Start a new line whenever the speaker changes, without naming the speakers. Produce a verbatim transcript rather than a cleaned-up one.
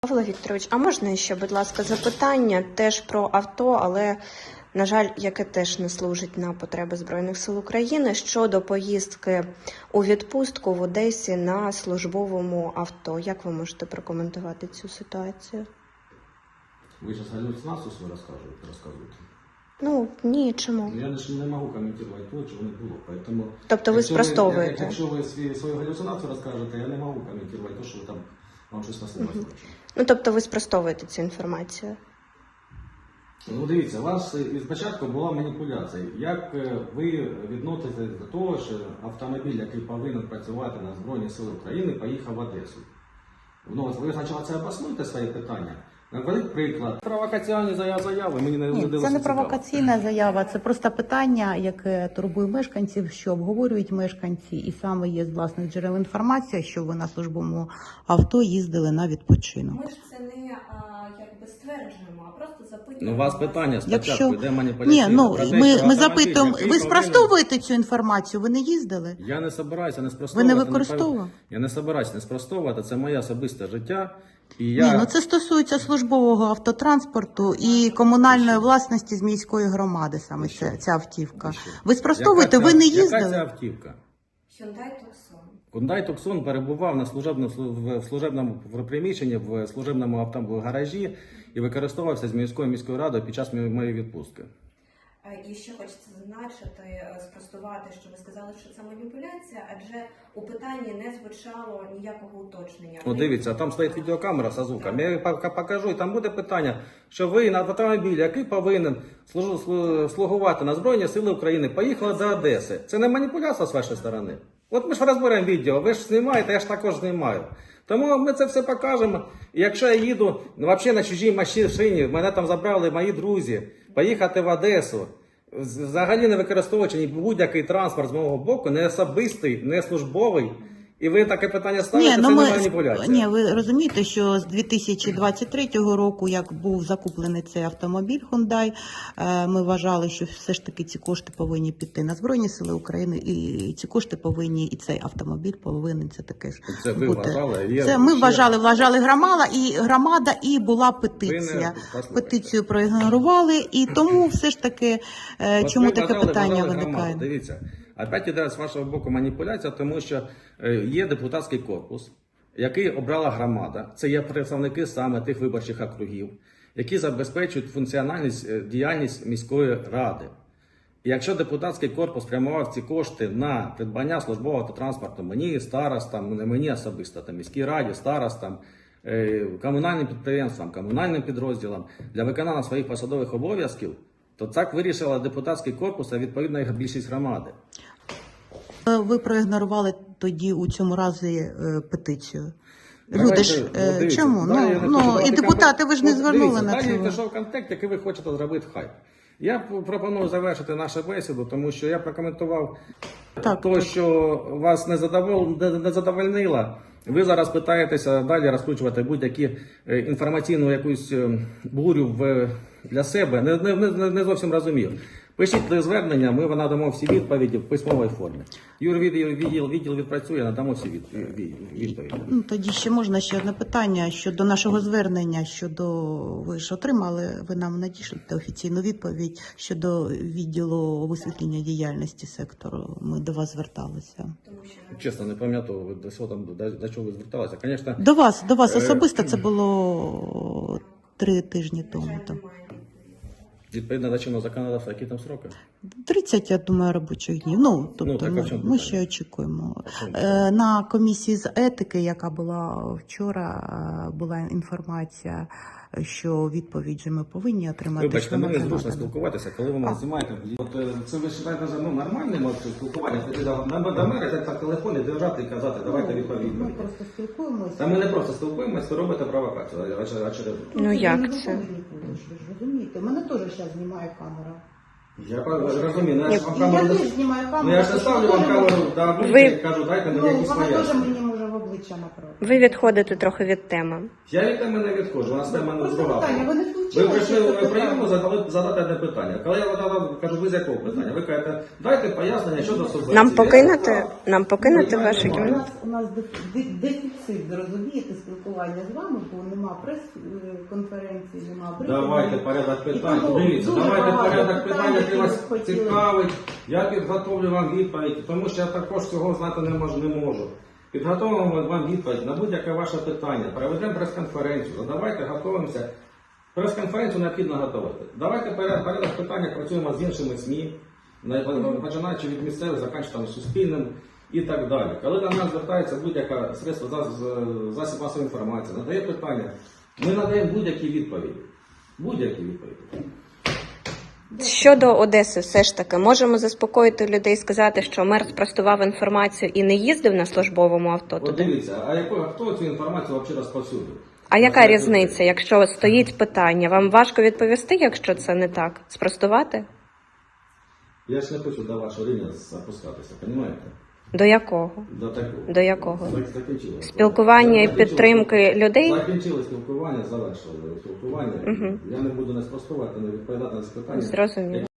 Павло Вікторович, а можна ще, будь ласка, запитання теж про авто, але, на жаль, яке теж не служить на потреби Збройних сил України, щодо поїздки у відпустку в Одесі на службовому авто. Як ви можете прокоментувати цю ситуацію?
Ви зараз галюцинацію свою розказуєте? розказуєте?
Ну, ні, чому?
Я ж не можу коментувати то, чого не було. Поэтому,
тобто ви спростовуєте?
Ви, якщо ви свою, свою галюцинацію розкажете, я не можу коментувати то, що ви там вам щось наслухали.
Угу. Ну, тобто ви спростовуєте цю інформацію?
Ну, дивіться, у вас спочатку була маніпуляція. Як ви відноситесь до того, що автомобіль, який повинен працювати на Збройні Сили України, поїхав в Одесу? Ну, ви спочатку це обоснуйте своє питання. Наведіть приклад. Провокаційні заяви мені не
Ні,
не
це не провокаційна заява, це просто питання, яке турбує мешканців, що обговорюють мешканці, і саме є з власних джерел інформація, що ви на службовому авто їздили на відпочинок.
Ми ж це не а, якби стверджуємо, а просто запитуємо.
Ну, у вас питання спочатку,
Якщо...
йде маніпуляція.
Ні, ну,
про те,
ми,
що
ми
автомобіль,
запитуємо,
який
ви
повинен-
спростовуєте цю інформацію, ви не їздили?
Я не собираюся не
Ви
спростовувати.
не використовували?
Я не собираюся не спростовувати, це моє особисте життя. І я...
Ні, ну це стосується службового автотранспорту і комунальної власності з міської громади, саме ця, ця автівка. Ви спростовуєте,
Яка
ви
ця-
не
Яка
їздили?
ця автівка?
Hyundai Tucson.
Hyundai Tucson перебував на служебному, в служебному приміщенні, в служебному автогаражі і використовувався з міською міською радою під час моєї відпустки.
І ще хочеться зазначити, спростувати, що ви сказали, що це маніпуляція, адже у питанні не звучало ніякого уточнення.
О, дивіться, там стоїть відеокамера з звуком. Я покажу, і там буде питання, що ви на автомобілі, який повинен слугувати на Збройні Сили України, поїхали до Одеси. Це не маніпуляція з вашої сторони? От ми ж розберемо відео, ви ж знімаєте, я ж також знімаю. Тому ми це все покажемо. І якщо я їду взагалі на чужій машині, мене там забрали мої друзі, поїхати в Одесу, взагалі не використовуючи будь-який транспорт з мого боку, не особистий, не службовий, і ви таке питання ставите,
Ні,
це
ну
не
ми,
маніпуляція.
ні, ви розумієте, що з дві тисячі двадцять третього року, як був закуплений цей автомобіль Hyundai, ми вважали, що все ж таки ці кошти повинні піти на Збройні Сили України, і ці кошти повинні, і цей автомобіль повинен це таке ж
Це ви
бути.
вважали? Є
Це ми
ще...
вважали, вважали громада, і громада, і була петиція. Петицію проігнорували, і тому все ж таки,
От
чому
ви
таке
вважали,
питання
вважали
виникає?
громаду. Дивіться, опять іде з вашого боку маніпуляція, тому що є депутатський корпус, який обрала громада. Це є представники саме тих виборчих округів, які забезпечують функціональність діяльність міської ради. І якщо депутатський корпус спрямував ці кошти на придбання службового автотранспорту мені, старостам, не мені особисто, там, міській раді, старостам, комунальним підприємствам, комунальним підрозділам для виконання своїх посадових обов'язків, то так вирішила депутатський корпус, а відповідно їх більшість громади.
Ви проігнорували тоді у цьому разі е, петицію.
Давайте,
Люди ж, е,
ну, дивіться,
чому?
далі я
Ну,
не
ну
хочу
і
брати
депутати, ви ж не
контекст.
звернули
Дивіться,
на
далі
це.
пішов контекст, який ви хочете зробити хайп. Я пропоную завершити нашу бесіду, тому що я прокоментував
Так,
те,
так.
що вас не, задовол... не задовольнило. Ви зараз питаєтеся далі розкручувати будь-які інформаційну якусь бурю в... для себе. Не, не, не, не зовсім розумів. Пишіть звернення, ми надамо всі відповіді в письмовій формі. Юрвідділ відділ, відділ відпрацює, надамо всі від, від, відповіді.
Ну, тоді ще можна ще одне питання щодо нашого звернення, щодо, ви ж отримали, ви нам надішлете офіційну відповідь щодо відділу висвітлення діяльності сектору. Ми до вас зверталися.
Чесно, не пам'ятаю, до чого там, до, до чого ви зверталися. Конечно,
До вас, до вас
е...
особисто це було три тижні тому. Там.
Відповідно до чинного законодавства, які там сроки?
тридцять, я думаю, робочих днів. Ну, тобто
ну, так,
ми,
ми,
ми ще очікуємо. Е, на комісії з етики, яка була вчора, була інформація, що відповідь же ми повинні отримати.
Вибачте, мені зручно спілкуватися, коли ви мене знімаєте. От це ви вважаєте за ну, нормальним спілкування? До мене так телефоні держати і казати, давайте відповідь.
Ми просто спілкуємося.
Та ми не просто спілкуємося, ви робите провокацію. Очевидно.
Ну як це?
Ви ж розумієте, мене теж зараз знімає камера.
Я розумію, ну, я ж вам
І
камеру...
я теж знімаю камеру.
Ну я ж не ставлю вам камеру, да,
Ви-
кажу, дайте мені
Ну,
якісь
вона теж
пояснення.
мені може в обличчя доповідача направити.
Ви відходите трохи від теми.
Я від теми не відходжу, у нас тема не
Просто
друга.
питання, ви не
Ви
включили,
прийшли
що це
в прийому
питання?
задали, задати одне питання. Коли я задав, кажу, ви з якого питання? Ви кажете, дайте пояснення щодо субвенції.
Нам
Я
покинути,
сказав,
нам покинути
ну, я
вашу
не маю.
У
кімнату?
нас, у нас деф- де- дефіцит, зрозумієте, спілкування з вами, бо нема прес-конференції, нема брифінгів.
Давайте порядок питань.
І тому
Дивіться,
дуже
давайте
багато
порядок питань, який
які
вас
ви хотіли.
цікавить. Я підготовлю вам відповідь, тому що я також цього знати не можу. Не можу. Підготовимо вам відповідь на будь-яке ваше питання. Проведемо прес-конференцію. Задавайте, готуємося. Прес-конференцію необхідно готувати. Давайте порядок, порядок питання працюємо з іншими СМІ, на- починаючи від місцевих, закінчуючи суспільним і так далі. Коли до нас звертається будь-яке средство зас- засіб масової інформації, надає питання, ми надаємо будь-які відповіді. Будь-які відповіді.
Щодо Одеси, все ж таки, можемо заспокоїти людей, сказати, що мер спростував інформацію і не їздив на службовому авто
От
туди?
дивіться, а яко, хто цю інформацію взагалі розповсюдив?
А яка
Знаєте,
різниця, якщо стоїть питання? Вам важко відповісти, якщо це не так? Спростувати?
Я ж не хочу до вашого рівня запускатися, розумієте?
До якого?
До такого.
До якого?
Зак- Закінчили.
Спілкування і
Закінчили
підтримки
спілкування.
людей?
Закінчили спілкування, завершили спілкування.
Мгм.
Я не буду не спростувати, не відповідати на запитання.
Зрозуміло.